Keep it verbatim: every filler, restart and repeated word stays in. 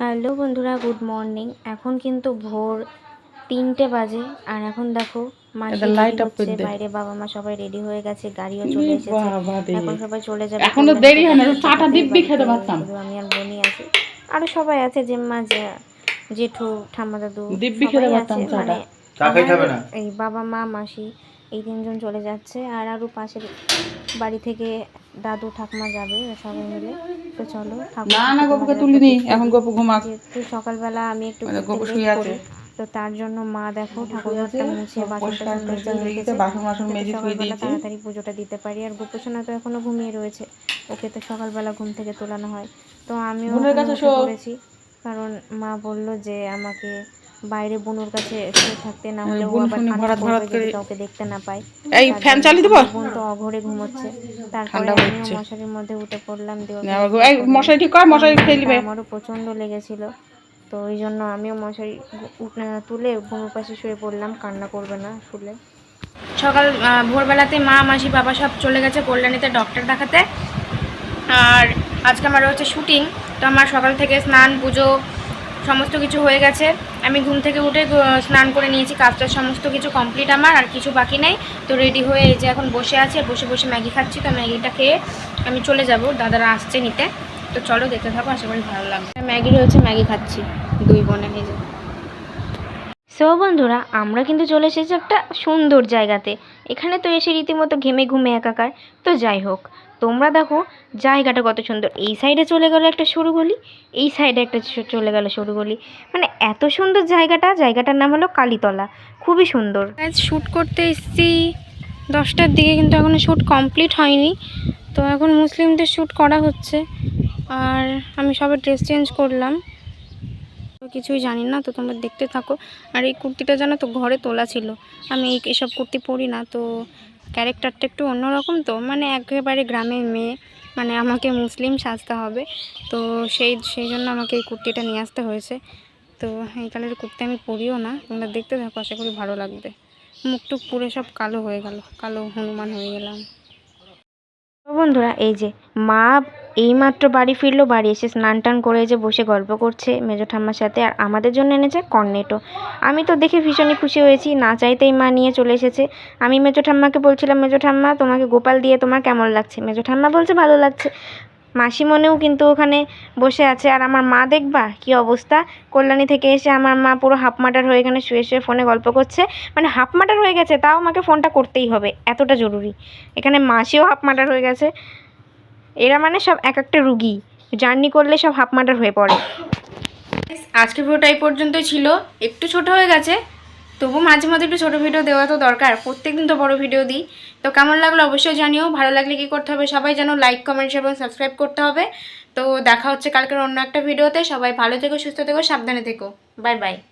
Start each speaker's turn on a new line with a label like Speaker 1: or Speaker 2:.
Speaker 1: Hello বন্ধুরা, good morning. এখন কিন্তু ভোর তিনটে বাজে আর এখন দেখো মাসি রেডি হচ্ছে বাইরে, বাবা মা সবাই রেডি হয়ে গেছে, গাড়িও চলে এসেছে। এখন সবাই চলে যাবে,
Speaker 2: এখনো দেরি হয় না, চাটা দিব্যি খেতে পারতাম।
Speaker 1: শুধু আমি আর বোনই আছি, আরো সবাই আছে, জেম্মা, জেঠু, ঠাম্মা, দাদু
Speaker 2: দিব্যি খেতে
Speaker 1: সবাই
Speaker 2: পারতাম
Speaker 1: আছে।
Speaker 2: চাটা।
Speaker 1: মানে এই বাবা মা মাসি এই তিনজন চলে যাচ্ছে আর আরো পাশের বাড়ি থেকে দাদু ঠাকুমা যাবে সবাই মিলে। তো চলো,
Speaker 2: না না গপুকে তুলিনি, এখন গপু ঘুমাক।
Speaker 1: যেহেতু সকালবেলা আমি একটু
Speaker 2: গপু শুয়ে আছে,
Speaker 1: তো তার জন্য মা দেখো ঠাকুরঘরটা মুছে বাসন টাসন মেজে রেখেছে,
Speaker 2: বাসন বাসন মেজে ধুয়ে
Speaker 1: সকালবেলা
Speaker 2: দিয়েছে।
Speaker 1: তাড়াতাড়ি পুজোটা দিতে পারি। আর গোপোষণা তো এখনো ঘুমিয়ে রয়েছে, ওকে তো সকালবেলা ঘুম থেকে তোলানো হয়। তো আমিও উঠে পড়েছি, কারণ মা বললো যে আমাকে বাইরে বোনের কাছে শুয়ে থাকতে, না হলে ও আবার কান্না করবে যদি কাউকে দেখতে না পায়।
Speaker 2: এই ফ্যান চালিয়ে দেব,
Speaker 1: বোন তো অঘরে ঘুমোচ্ছে। তারপরে আমিও মশারির মধ্যে উঠে পড়লাম,
Speaker 2: মশারি ঠিক কর, মশারি খেয়ে দিবে।
Speaker 1: আমারও প্রচন্ড লেগেছিল, তো ওই জন্য আমিও মশারি তুলে বোনের পাশে শুয়ে পড়লাম, কান্না করবে না শুলে। সকাল ভোরবেলাতে মা মাসি বাবা সব চলে গেছে কল্যাণীতে ডক্টর দেখাতে। আর আজকে আমার হচ্ছে শুটিং, তো আমার সকাল থেকে স্নান পুজো সমস্ত কিছু হয়ে গেছে। আমি ঘুম থেকে উঠে স্নান করে নিয়েছি, কাজটা সমস্ত কিছু কমপ্লিট আমার, আর কিছু বাকি নেই। তো রেডি হয়ে এই যে এখন বসে আছি, বসে বসে ম্যাগি খাচ্ছি। তো ম্যাগিটা খেয়ে আমি চলে যাব, দাদারা আসছে নিতে। তো চলো দেখতে থাকো, আশা করি ভালো লাগবে। ম্যাগি রয়েছে, ম্যাগি খাচ্ছি দুই বোনে নিজে। সো বন্ধুরা, আমরা কিন্তু চলে এসেছি একটা সুন্দর জায়গাতে। এখানে তো এসে রীতিমতো ঘেমে ঘুমে একাকার। তো যাই হোক, তোমরা দেখো জায়গাটা কত সুন্দর। এই সাইডে চলে গেল একটা সরু গলি, এই সাইডে একটা চলে গেল সরু গলি, মানে এত সুন্দর জায়গাটা। জায়গাটার নাম হলো কালীতলা, খুবই সুন্দর। আজ শ্যুট করতে এসেছি দশটার দিকে, কিন্তু এখনো শ্যুট কমপ্লিট হয়নি। তো এখন মুসলিমদের শ্যুট করা হচ্ছে, আর আমি সবাই ড্রেস চেঞ্জ করলাম, কিছুই জানি না। তো তোমরা দেখতে থাকো। আর এই কুর্তিটা জানো তো ঘরে তোলা ছিল, আমি এসব কুর্তি পরি না, তো ক্যারেক্টারটা একটু অন্যরকম, তো মানে একেবারে গ্রামের মেয়ে, মানে আমাকে মুসলিম সাজতে হবে। তো সেই সেই জন্য আমাকে এই কুর্তিটা নিয়ে আসতে হয়েছে। তো এই কালারের কুর্তি আমি পরিও না, তোমরা দেখতে থাকো, আশা করি ভালো লাগবে। মুখটুক পুরো সব কালো হয়ে গেল, কালো হনুমান হয়ে গেলাম। বন্ধুরা, এই যে মা এইমাত্র বাড়ি ফিরলো, বাড়ি এসে স্নান টান করে যে বসে গল্প করছে মেজো ঠাম্মার সাথে, আর আমাদের জন্য এনেছে কর্নেটো। আমি তো দেখে ভীষণই খুশি হয়েছি, না চাইতেই মা নিয়ে চলে এসেছে। আমি মেজো ঠাম্মাকে বলছিলাম, মেজো ঠাম্মা তোমাকে গোপাল দিয়ে তোমার কেমন লাগছে? মেজো ঠাম্মা বলছে ভালো লাগছে। মাসি মনেও কিন্তু ওখানে বসে আছে। আর আমার মা দেখবা কি অবস্থা, কল্যাণী থেকে এসে আমার মা পুরো হাফ মাটার হয়ে এখানে শুয়ে শুয়ে ফোনে গল্প করছে। মানে হাফ মাটার হয়ে গেছে, তাও আমাকে ফোনটা করতেই হবে, এতটা জরুরি। এখানে মাসিও হাফ মাটার হয়ে গেছে। এরা মানে সব এক একটা রুগী, জার্নি করলে সব হাফ মাটার হয়ে পড়ে। আজকের ভিডিওটা এই পর্যন্তই ছিল, একটু ছোট হয়ে গেছে, তবু মাঝে মাঝে একটু ছোটো ভিডিও দেওয়া তো দরকার, প্রত্যেকদিন তো বড় ভিডিও দিই। তো কেমন লাগলো অবশ্যই জানিও, ভালো লাগলে কী করতে হবে সবাই জানো, লাইক কমেন্ট এবং সাবস্ক্রাইব করতে হবে। তো দেখা হচ্ছে কালকের অন্য একটা ভিডিওতে। সবাই ভালো থেকো, সুস্থ থেকো, সাবধানে থেকো, বাই বাই।